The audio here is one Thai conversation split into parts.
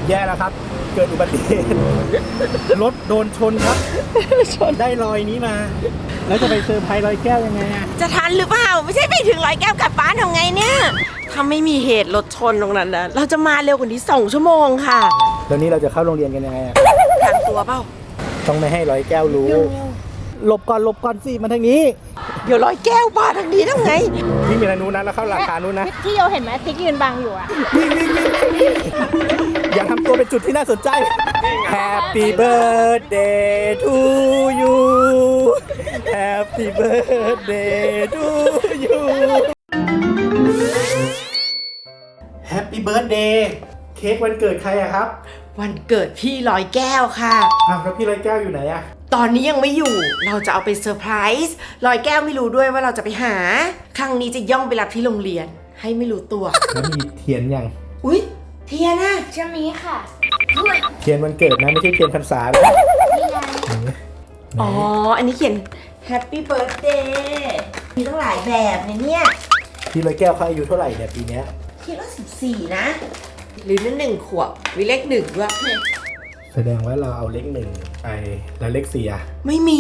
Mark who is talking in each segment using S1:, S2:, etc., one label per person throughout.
S1: แย่แล้วครับเกิดอุบัติเหตุรถโดนชนครับชนได้รอยนี้มาแล้วจะไปเซอร์ไพรส์รอยแก้วยังไงอะ
S2: จะทันหรือเปล่าไม่ใช่ไปถึงร้อยแก้วกลับบ้านทำไงเนี่ยถ้าไม่มีเหตุรถชนตรงนั้นนะเราจะมาเร็วกว่านี้2 ชั่วโมงค่ะ
S1: แล้วนี้เราจะเข้าโรงเรียนกันยังไงอะ
S2: ทางตัวเปล่า
S1: ต้องไม่ให้ร้อยแก้วรู้หลบก่อนสิมาทางนี้
S2: เดี๋ยวร้อยแก้วมาทางนี้ทำไง
S1: วิ่งไปทางนู้นนะแล้วเข้าหลังคานู้นนะ
S3: ที่โยเห็นไหมติ๊กยืนบังอยู่อะ
S1: วิ่งอย่าทำตัวเป็นจุดที่น่าสนใจ Happy birthday to you Happy birthday to you Happy birthday เค้กวันเกิดใครอะครับ
S2: วันเกิดพี่ร้อยแก้วค่ะ
S1: แล้วพี่ร้อยแก้วอยู่ไหนอะ
S2: ตอนนี้ยังไม่อยู่เราจะเอาไปเซอร์ไพรส์ร้อยแก้วไม่รู้ด้วยว่าเราจะไปหาครั้งนี้จะย่องไปรับที่โรงเรียนให้ไม่รู้ตัว
S1: แล้วมีเทียนยัง
S2: อุ๊ยเทียนอะ
S3: จะมีค่ะ
S1: เทียนวันเกิดนะไม่ใช่เทียนพรรษานะ
S2: อ๋ออันนี้เขียน Happy Birthday มีตั้งหลายแบบเนี่ย
S1: พี่ร้อยแก้วเขาอายุเท่าไหร่เนี่ยปีนี้
S2: คิดว่า14นะหรือนั่น1 ขวบมีเลข1ด้วย
S1: แสดงว่าเราเอาเลข1ไปแล้วเลข4อะ
S2: ไม่มี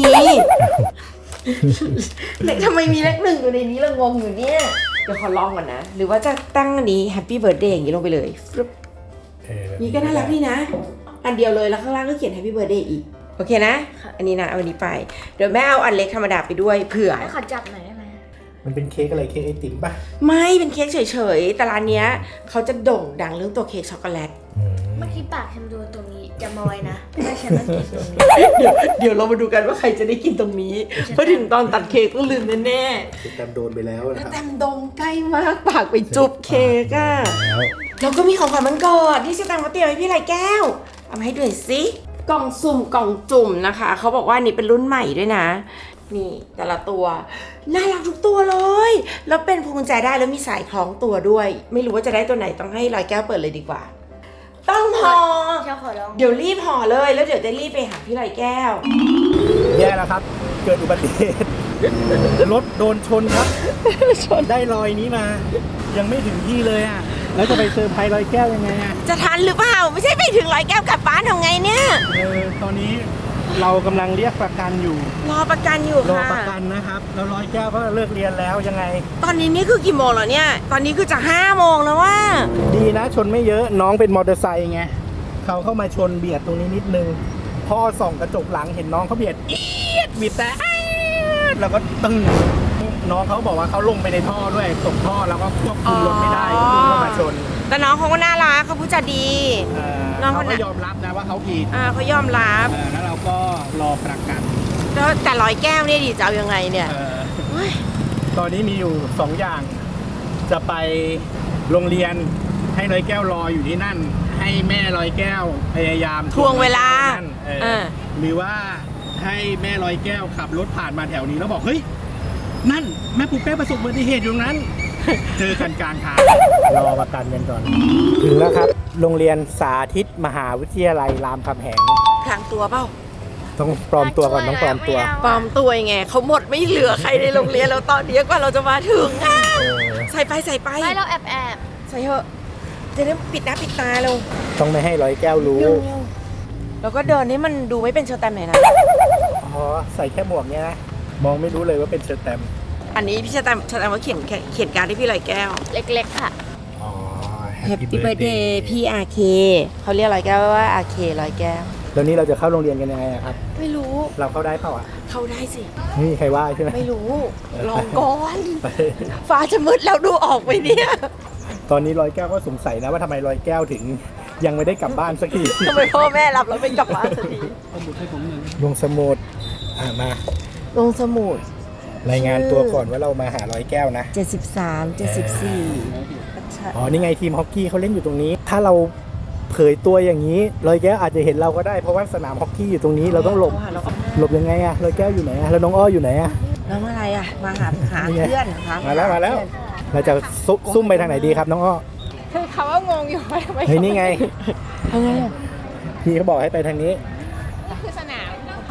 S2: เลขทำไมมีเลข1อยู่ในนี้เรางงอยู่เนี่ยเดี๋ยวขอลองก่อนนะหรือว่าจะตั้งอันนี้ Happy Birthday อย่างนี้ลงไปเลยนี่ก็น่ารักดีนะอันเดียวเลยแล้วข้างล่างก็เขียน Happy Birthday อีกโอเคนะอันนี้นะเอาอันนี้ไปเดี๋ยวแม่เอาอันเล็กธรรมดาไปด้วยเผื่อ
S3: ขอจับหน่อยได้ไหม
S1: มันเป็นเค้กอะไรเค้กไอติมป่ะ
S2: ไม่เป็นเค้กเฉยๆแต่ร้านเนี้ยเขาจะโด่งดังเรื่องตัวเค้กช็อกโกแลต
S3: เมื่อกี้ปากฉันดูตรงนี้จะมาไว้นะไม่ฉันไม่กินตรงนี้
S2: เดี๋ยวเรามาดูกันว่าใครจะได้กินตรงนี้เพราะถึงตอนตัดเค้กต้องลืมแน่
S1: ๆแตมโดนไปแล้วนะครับ
S2: แตมโดนใกล้มากปากไปจุบเค้กอ่ะแล้วก็มีของขวัญวันเกิดที่แตมเขาเตรียมให้พี่ไรแก้วเอามาให้ดูหน่อยสิกล่องสุ่มกล่องจุ่มนะคะเขาบอกว่านี่เป็นรุ่นใหม่ด้วยนะนี่แต่ละตัวน่ารักทุกตัวเลยแล้วเป็นพวงกุญแจได้แล้วมีสายคล้องตัวด้วยไม่รู้ว่าจะได้ตัวไหนต้องให้ลอยแก้วเปิดเลยดีกว่าต้องห่อเดี๋ยวรีบห่อเลยแล้วเดี๋ยวจะรีบไปหาพี่ลอยแก้ว
S1: แย่แล้วครับเกิดอุบัติเหตุรถโดนชนครับชนได้รอยนี้มายังไม่ถึงที่เลยอ่ะแล้วจะไปเซอร์ไพรส์ร้อยแก้วยังไงอ่ะ
S2: จะทันหรือเปล่าไม่ใช่ไปถึงร้อยแก้วกลับบ้านทำไงเนี่ย
S1: ตอนนี้เรากำลังเรียกประกันอยู่
S2: รอประกันอยู่ค่ะ
S1: รอประกันนะครับแล้วร้อยแก้วก็เลิกเรียนแล้วยังไง
S2: ตอนนี้นี่คือกี่โมงแล้วเนี่ยตอนนี้คือจะ5 โมงแล้วว่า
S1: ดีนะชนไม่เยอะน้องเป็นมอเตอร์ไซค์ไงเขาเข้ามาชนเบียดตรงนี้นิดนึงพ่อส่องกระจกหลังเห็นน้องเขาเบียดบีบแต่แล้วก็ตึ้งน้องเขาบอกว่าเขาลงไปในท่อด้วยตกท่อแล้วก็ควบคุมรถไม่ได้ก็เข้ามาชน
S2: แต่น้องเขาก็น่ารักเขาพูดจาดี
S1: น้องเขายอมรับนะว่าเขาผิด
S2: เขายอมรับ
S1: แล้วเราก็รอประกัน
S2: แล้วแต่ร้อยแก้วเนี่ยดิจะเอายังไงเนี่ย
S1: ตอนนี้มีอยู่2 อย่างจะไปโรงเรียนให้ร้อยแก้วรออยู่ที่นั่นให้แม่ร้อยแก้วพยายาม
S2: ทวงเวลา
S1: หรือว่าให้แม่ร้อยแก้วขับรถผ่านมาแถวนี้แล้วบอกเฮ้ยนั่นแม่ปุ๊กเป้ประสบอุบัติเหตุอยู่ตรงนั้นเจอกันกลางทางรอประกันกันก่อนถึงแล้วครับโรงเรียนสาธิตมหาวิทยาลัยรามคำแหง
S2: พลางตัวเปล่า
S1: ต้องปลอมตัวก่อนต้องปลอมตัว
S2: ยังไงเขาหมดไม่เหลือใครในโรงเรียนแล้วตอนนี้กว่าเราจะมาถึงใส่ไป
S3: ไม่เราแอบ
S2: ใส่เถอะจะได้ปิดหน้าปิดตาเรา
S1: ต้องไม่ให้ร้อยแก้วรู้
S2: แล้วก็เดินให้มันดูไม่เป็นเชอร์แตมหน่อยนะ
S1: อ๋อใส่แค่หมวกเนี้ยนะมองไม่รู้เลยว่าเป็นเชอร์แตม
S2: อันนี้พี่เชอร์แตมว่าเขียนการ์ดให้พี่ลอยแก้ว
S3: เล็กๆค่ะ
S1: อ๋อ
S2: Happy Birthday พี่อาเคเขาเรียกลอยแก้วว่าอาเคลอยแก้ว
S1: แล้วนี้เราจะเข้าโรงเรียนกันยังไงครับ
S2: ไม่รู้
S1: เราเข้าได้เปล่าอ่ะ
S2: เข้าได้สิ
S1: ไม่มีใครว่าใช่ไหม
S2: ไม่รู้ลองก่อนฟ้าจะมืดแล้วดูออกไปเนี่ย
S1: ตอนนี้ร้อยแก้วก็สงสัยนะว่าทำไมร้อยแก้วถึงยังไม่ได้กลับบ้านสักที
S2: ทำไมพ่อแม่รับแล้วไม่กลับบ้านสักที
S1: ลงสมุดมา
S2: ลงสมุด
S1: รายงานตัวก่อนว่าเรามาหาร้อยแก้วนะ
S2: 73 74
S1: อ๋อนี่ไงทีมฮอกกี้เขาเล่นอยู่ตรงนี้ถ้าเราเผยตัวอย่างนี้ร้อยแก้วอาจจะเห็นเราก็ได้เพราะว่าสนามฮอกกี้อยู่ตรงนี้เราต้องหลบยังไงอะร้อยแก้วอยู่ไหนอะแล้วน้องอ้ออยู่ไหนอะ
S2: แล้วอะไรอะมาหาเพื่อนนะคะ
S1: มาแล้วเราจะซุ่มไปทางไหนดีครับน้องอ้อ
S3: คือเขาว่างงอยู่ว่าทำไม
S1: เฮ้ยนี่ไงพี่เขาบอกให้ไปทางนี้
S3: คือสนาม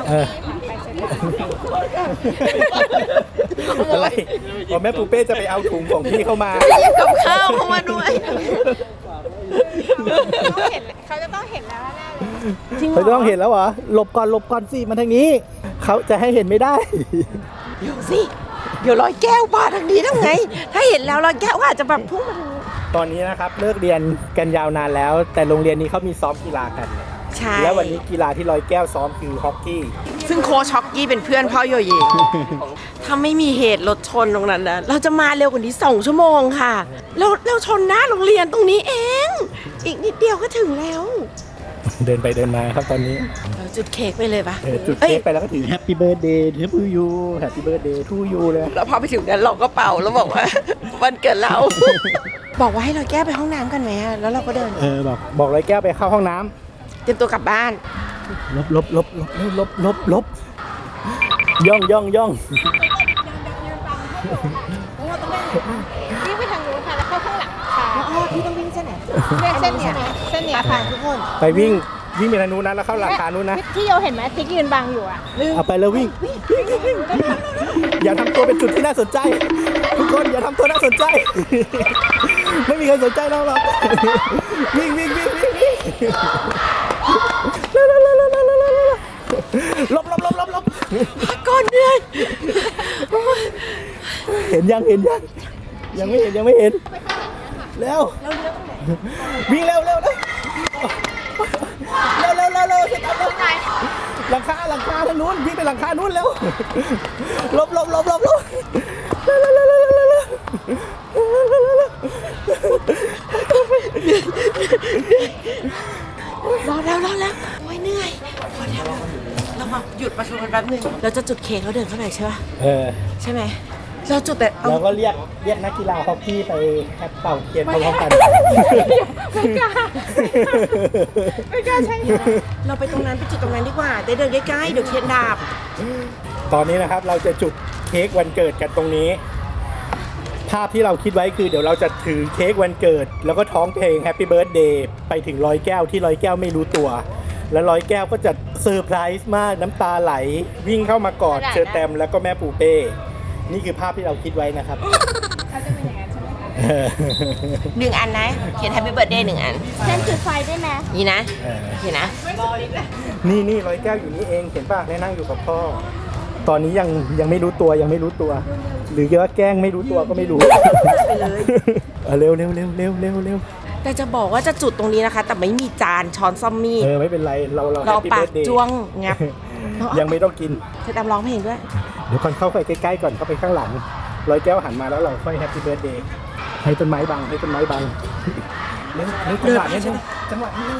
S1: อะไรพอแม่ปูเป้จะไปเอาถุงของพี่เข้ามา
S2: กับข้าวเข้ามาด้วย
S3: เขาเห็นเขาจะต้องเห็นแล้วแน่เลย
S2: จริงเหร
S1: เขาต้องเห็นแล้วเหรอหลบก่อนสิมาทางนี้เขาจะให้เห็นไม่ได้
S2: เดี๋ยวสิเดี๋ยวร้อยแก้วมาทางนี้ทำไง ถ้าเห็นแล้วร้อยแก้วก็อาจจะแบบพุ่งมาทางนี้
S1: ตอนนี้นะครับเลิกเรียนกันยาวนานแล้ว แต่โรงเรียนนี้เขามีซ้อมกีฬากัน
S2: ใช่
S1: แล้ววันนี้กีฬาที่ร้อยแก้วซ้อมคือฮอกกี้
S2: ซึ่งโค้ชฮอกกี้เป็นเพื่อนพ่อโยเยถ้าไม่มีเหตุรถชนตรงนั้นนะเราจะมาเร็วกว่านี้2 ชั่วโมงค่ะเราชนหน้าโรงเรียนตรงนี้เอง อีกนิดเดียวก็ถึงแล้ว
S1: เดินไปเดินมาครับตอนนี้
S2: เราจุดเค้กไปเลยปะ
S1: จุดเค้กไปแล้วก็ถือ Happy Birthday to you Happy Birthday to you เลย
S2: แล้วพอไปถึงนั้นเราก็เป่าแล้วบอกว่า วันเกิดเรา บอกว่าให้เราแก้ไปห้องน้ำกันไหมอะแล้วเราก็เดิน
S1: บอกร้อยแก้วไปเข้าห้องน้
S2: เตรียมตัวกลับบ้าน
S1: ำลบย่อง
S3: วิ่งไปทางนู้นค่ะแล้วเข้าข้างหลังค่ะ
S2: อ๋อพี่ต้องวิ่งเส้นไหน
S3: เส้นเนี้ยเส้นเนี้ยค่ะทุกคน
S1: ไปวิ่งไปทางนู้นนะแล้วเข้าหลังคานู้นนะ
S3: ที่โยเห็นไหมติ๊กยืนบังอยู่อ่ะ
S1: เอาไปแล้ววิ่งอย่าทำตัวเป็นจุดที่น่าสนใจ ทุกคนอย่าทำตัวน่าสนใจ ไม่มีใครสนใจเราหรอกวิ่งลบ
S2: ก่อนเหนื่อย
S1: เห็นยังยังไม่เห็นแล้ววิ่งเร็วเร็วหลังคาทางนู้นวิ่งไปหลังคานู้นเร็วลบ
S2: รอแล้วโอ้ยเหนื่อยพอแล้วเรามาหยุดประชุมกันแป๊บนึงเราจะจุดเค้กแล้วเดินเข้าไปใช่ป่ะใช่ไหมเราจุดแต่เอา
S1: เราก็เรียกนักกีฬาฮอกกี้ไปแอปเป่าเทียนพร้อมๆกัน
S3: ไม่กล้าใช่
S2: เราไปตรงนั้นไปจุดตรงนั้นดีกว่าได้เดินใกล้ๆเดี๋ยวเทียนดับ
S1: ตอนนี้นะครับเราจะจุดเค้กวันเกิดกันตรงนี้ ภาพที่เราคิดไว้คือเดี๋ยวเราจะถือเค้กวันเกิด แล้วก็ท้องเพลง Happy Birthday ไปถึงร้อยแก้วที่ร้อยแก้วไม่รู้ตัว แล้วร้อยแก้วก็จะเซอร์ไพรส์มากน้ำตาไหลวิ่งเข้ามากอดเชอแตมแล้วก็แม่ปูเป้นี่คือภาพที่เราคิดไว้นะครับ
S2: 1 อันนะเขียน Happy Birthday 1 อัน
S3: เส้นจุดไฟได้ไหม
S2: นี่นะเห็นนะ
S1: นี่ร้อยแก้วอยู่นี่เองเห็นป่ะได้นั่งอยู่กับพ่อ ตอนนี้ยังไม่รู้ตัวหรือว่าแกล้งไม่รู้ตัวก็ไม่รู้
S2: ไปเลย
S1: เร็ว
S2: แต่จะบอกว่าจะจุดตรงนี้นะคะ แต่ไม่มีจานช้อนซ่อมมีด
S1: ไม่เป็นไรเรา
S2: เรา
S1: Happy
S2: ปาก
S1: Birthday
S2: จ้วงงับ
S1: ยังไม่ต้องกิน
S2: เธอตามร้องเพลงด้วย
S1: เดี๋ยวก่อนเข้าไปใกล้ๆก่อนเข้าไปข้างหลังร้อยแก้วหันมาแล้วเราค่อย Happy Birthday ให้ต้นไม้บังเร็วจังหวะนี้จังหวะนี้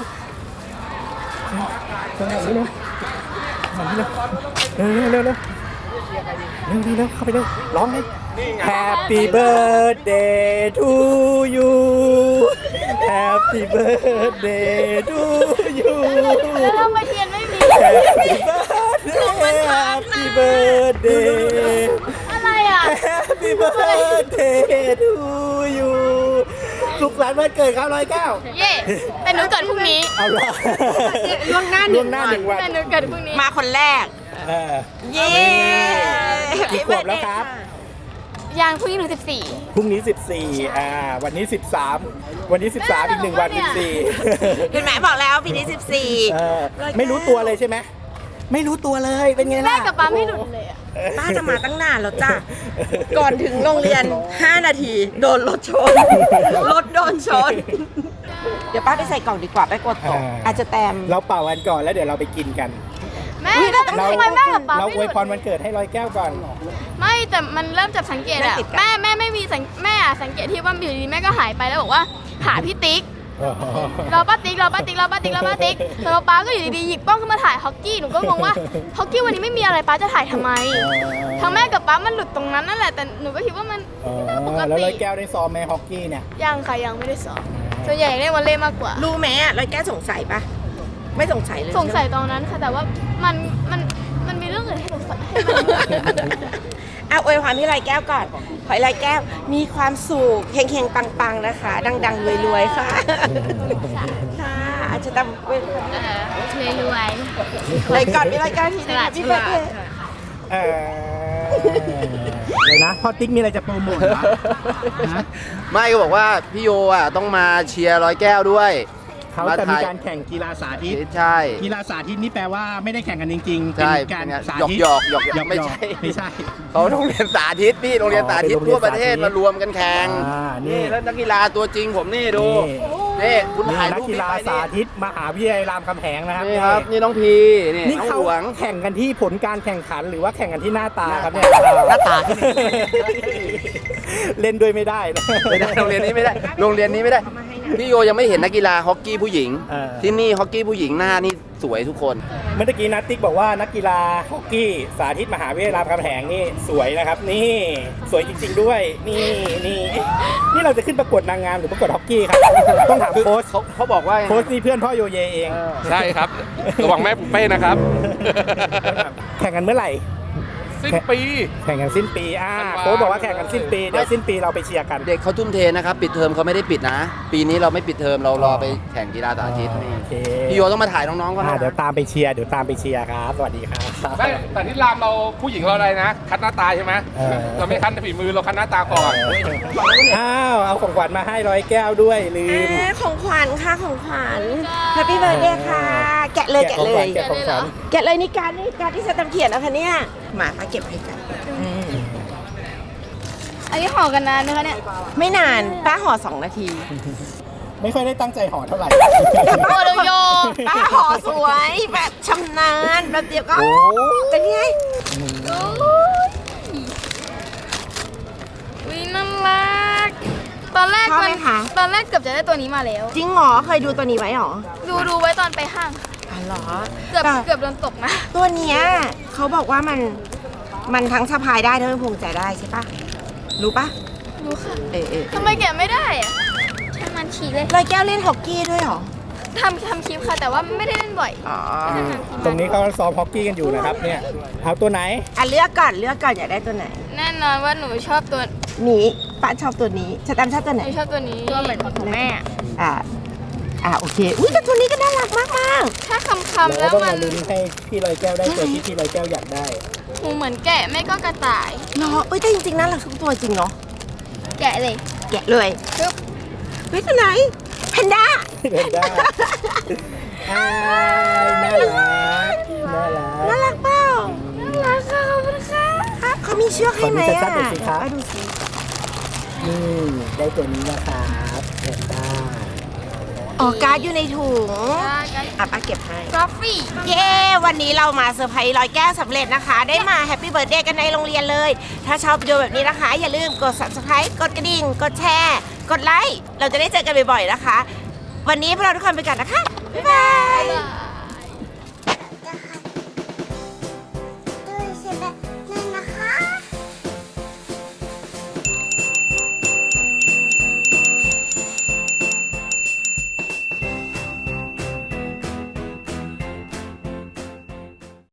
S1: เร็วเข้าไปเร็วร้องเลย Happy Birthday to you Happy Birthday to you
S3: แล้วทำไมเทียนไม่มี
S1: Happy Birthday
S3: อะไรอ่ะ
S1: Happy Birthday to you สุขสันต์วันเกิดครับร้อยแก้ว
S3: เย่แต่หนูเกิดพรุ่งนี้
S1: เอาละ
S2: ล่วงหน้า
S1: ล่วงหน้าหนึ่งวัน
S3: แต่หนูเกิดพรุ่งนี้
S2: มาคนแรก เย้
S1: กี่ขวบแล้วครับ
S3: ยังพรุ่งนี้หนู14
S1: พรุ่งนี้ 14วันนี้ 13 วันนี้ 13 อีก1 วัน 14
S2: เห็นไหมบอกแล้วปีนี้
S1: ไม่รู้ตัวเลยใช่ไหมไม่รู้ตัวเลยเป็นไงล่ะ
S3: แม่กับป๊าไม่หลุดเลยอ่ะ
S2: ป้าจะมาตั้งนานแล้วจ้ะ ก่อนถึงโรงเรียน 5 นาที โดนรถชน รถโดนชน เดี๋ยวป้าไปใส่กล่องดีกว่าไปกดตกอาจจะแตม
S1: เราเป่ากันก่อนแล้วเดี๋ยวเราไปกินกัน
S3: แม่แล้วทำไมแม่กับป๊า
S1: เรา
S3: ไม่
S1: อ
S3: ห
S1: ว
S3: ลุ
S1: ย
S3: ด
S1: พรวันเกิดให้ร้อยแก้วก่อน
S3: ไม่แต่มันเริ่มจับสังเกตอะแม่ไม่มีแม่สังเกตที่ว่าอยู่ดีๆแม่ก็หายไปแล้วบอกว่าหาพี่ติ๊กรอป้าติ๊กแล้วป้าก็อยู่ดีๆหยิบกล้องขึ้นมาถ่ายฮอกกี้หนูก็งงว่าฮอกกี้วันนี้ไม่มีอะไรป้าจะถ่ายทำไมทั้งแม่กับป้ามันหลุดตรงนั้นนั่นแหละแต่หนูก็คิดว่ามันปก
S1: แล้ว
S3: ติ
S1: ร้อยแก้วได้ซ้อมไหมฮอกกี้เนี่ย
S3: ยังค่ะยังไม่ได้สอบส่วนใหญ่เล่นวอลเลย์มากกว่า
S2: รู้ไหมร้อยแก้วสงสัยปะไม่สงสัยเลย
S3: สงสัยตอนนั้นค่ะแต่ว่ามันมีเรื่องอื่นให้หนูสัยให้มัน
S2: เอาอวยพรพี่ร้อยแก้วก่อนขอให้ร้อยแก้วมีความสุขเฮงๆปังๆนะคะ ดังๆรวยๆค่ะค่ะอาจจะต้องอวยพร
S3: รวย
S2: เลยก่อนพี่ร้อยแก้วทีนึงพี่เบิร์ดเดย์
S1: เลยนะพ่อติ๊กมีอะไรจะโปรโมทเหรอ
S4: ไม่ก็บอกว่าพี่โยอ่ะต้องมาเชียร์ร้อยแก้วด้วย
S1: เขาจะมีการแข่งกีฬาสาธิต
S4: ใช่
S1: กีฬาสาธิตนี่แปลว่าไม่ได้แข่งกันจริงๆ
S4: ใช่
S1: เป็นการสาธิต
S4: หยอกไม่ใช่
S1: ไม่ใช่
S4: เขาโรงเรียนสาธิตพี่โรงเรียนสาธิต
S1: เป็นโรงเรียน
S4: ทั่วประเทศ
S1: สาธิต
S4: มารวมกันแข่ง
S1: นี่
S4: แล้วนักกีฬาตัวจริงผมนี่ดูนี่คุณ
S1: นี่
S4: ถ่าย
S1: นัก
S4: รูป
S1: กีฬา
S4: ไป
S1: สาธิตมหาวิทยาลัยรามคำแหงนะครับ
S4: นี่ครับนี่น้องพีนี่
S1: นี่
S4: น้อง
S1: เขา
S4: หลวง
S1: แข่งกันที่ผลการแข่งขันหรือว่าแข่งกันที่หน้าตาครับเนี่ย
S4: หน้าตา
S1: เล่นด้วยไม่ได้นะ
S4: ไม่ได้โรงเรียนนี้ไม่ได้โรงเรียนนี้ไม่ได้พี่โยยังไม่เห็นนักกีฬาฮอกกี้ผู้หญิง ที่นี่ฮอกกี้ผู้หญิงหน้านี่สวยทุกคน
S1: เมื่อกี้นัทติ๊กบอกว่านักกีฬาฮอกกี้สาธิตมหาวิทยาลัยรามคำแหงนี่สวยนะครับ นี่สวยจริงๆด้วยนี่เราจะขึ้นประกวดนางงามหรือประกวดฮอกกี้ครับต้องถามโค้ช
S4: เขาบอกว่า
S1: โค้ชนี่เพื่อนพ่อโยเยเอง
S5: ใช่ครับ ระวังแม่ปุเป้นะครับ
S1: แข่งกันเมื่อไหร่
S5: สิ้นปี
S1: แข่งกันสิ้นปีโค้ชบอกว่าแข่งกันสิ้นปีเดี๋ยวสิ้นปีเราไปเชียร์กัน
S4: เด็กเขาทุ่มเทนะครับปิดเทอมเขาไม่ได้ปิดนะ ปีนี้เราไม่ปิดเทอมเรารอไปแข่งกีฬาสาธิต
S1: โอเค
S4: พี่โยต้องมาถ่ายน้องๆก็
S1: เดี๋ยวตามไปเชียร์ครับสวัสดีครับ
S5: ได้แต่ที่รามเราผู้หญิงเราอะไรนะ คัดหน้าตาใช่ไหม เราไม่คัดฝีมือเราคัดหน้าตาก่อน
S1: เอาของขวัญมาให้ร้อยแก้วด้วยลืม
S2: ของขวัญค่ะของขวัญ Happy Birthday ค่ะ แกะเลย
S1: แกะของขวัญ
S2: แกะเลยนี่การที่จะทำเขียนนะคะเนี่ยมาเก็บให้กัน
S3: อันนี้ห่อกันนานไหมคะเนี่ย
S2: ไม่นานป้าห่อ2 นาที
S1: ไม่ค่อยได้ตั้งใจห่อเท่าไหร่
S3: โอ้โย
S2: ป้าห่อสวยแบบชำนาญแบบเดียวก็เป็นไง
S3: วิน่ารักตอนแรก
S2: ชอบไหมคะ
S3: ตอนแรกเกือบจะได้ตัวนี้มาแล้ว
S2: จริงเหรอเคยดูตัวนี้ไว้เหรอ
S3: ดูไว้ตอนไปห้าง
S2: อ๋อเหรอ
S3: เกือบ
S2: แต่
S3: เกือบโดนตกนะ
S2: ตัวเนี้ยเขาบอกว่ามันทั้งสะพายได้ทั้งพวงใจได้ใช่ปะรู้ปะ
S3: รู้ค่ะ
S2: เออ
S3: ทำไมแกะไม่ได้อะใช่มันฉี่เลย
S2: ลอยแก้วเล่นฮอกกี้ด้วยเหรอ
S3: ทำคลิปค่ะแต่ว่าไม่ได้เล่นบ่อย
S2: อ๋อ
S1: ตรงนี้เขาซ้อมฮอกกี้กันอยู่นะครับเนี่ยเอาตัวไหน
S2: เลือกก่อนอยากได้ตัวไหน
S3: แน่นอนว่าหนูชอบตัว
S2: นี้ป้าชอบตัวนี้ชะตามชอบตัว
S3: ห
S2: ไหน
S3: นูชอบตัวนี้ตัวเหมือนของแม่
S2: โอเคอุ้ยแต่ตัวนี้ก็น่ารักมาก
S3: ถ้าคำๆ
S1: เรา
S3: แล้ว
S1: ต้อง
S3: มั
S1: มาน ลุ้นให้พี่ลอยแก้วได้ตัวที่พี่ลอยแก้วอยากได้
S3: หูเหมือนแกะไม่ก็กระต่าย
S2: ๆเนาะแต่จริงๆน่ารักทุกตัวจริงเนาะ
S3: แกะเลย
S2: แกะเลย
S3: ปึ๊บ
S2: เฮ้ยตัวไหนแพนด้า
S1: เดินได้น่ารัก
S2: น่ารักเปล่า
S3: น่ารักค่ะขอบคุณค่ะ
S2: เขามีเชือกให้ไหม
S1: ขอดูชัดๆหน่อยสิครับ
S2: ป้าดูสิ
S1: นี่ได้ตัวนี้นะครับเดินได้
S2: อ๋อการ์ดอยู่ในถุง
S3: กัน
S2: ป้าเก็บให้
S3: กราฟฟี่
S2: เย้ วันนี้เรามาเซอร์ไพรส์ร้อยแก้วสำเร็จนะคะ ได้มาแฮปปี้เบิร์ดเดย์กันในโรงเรียนเลย ถ้าชอบวิดีโอแบบนี้นะคะ อย่าลืมกด subscribe กดกระดิ่ง กดแชร์ กดไลค์ เราจะได้เจอกันบ่อยๆนะคะ วันนี้พวกเราทุกคนไปกันนะคะ บ๊ายบาย